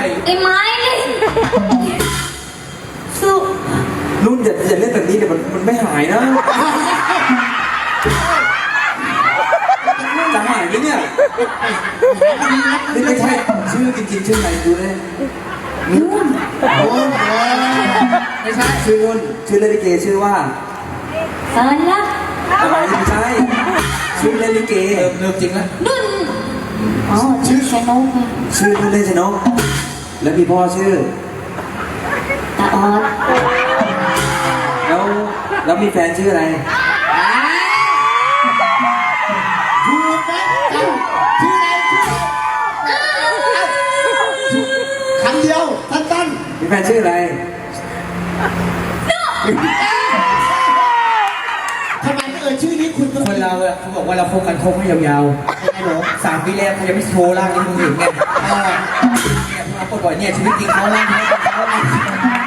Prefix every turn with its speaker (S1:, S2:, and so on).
S1: ไอ้ไม้เลยสุ
S2: รุ่นอย่าเล่นแบบนี้เดี๋ยวมันไม่หายนะจะหายไหมเนี่ยนี่ไม่ใช่ชื่อจริงๆชื่อไหนดูเลย
S1: นุ่น
S2: ไม่ใช่ชื่อนุ่นชื่อเล่นลิเกชื่อว่า
S1: สารลักษณ์
S2: อะไรไม่ใช่ชื่อเล่นลิเกเริ่มจริงแล้ว
S1: นุ่นอ๋อชื่อชนก
S2: ชื่อนุ่นเล่นชนกแล้วมีพ่อชื่อ
S1: ตาออด
S2: แล้วมีแฟนชื่ออะไร
S3: ถูกไหมชื่ออะไรคำเดียวสั้น
S2: ๆมีแฟนชื่ออะไร
S3: ทำไมไม่ชื่อนี้คุณ
S2: คนเราอะเขาบอกว่าเราคบกันคบให้ยาวๆ3 ปีแรกเขายังไม่โชว์ร่างนี้มึงเห็นไงเนี่ยพอปล่อยเนี่ยชีวิตจริงเขาร่างนี้เขา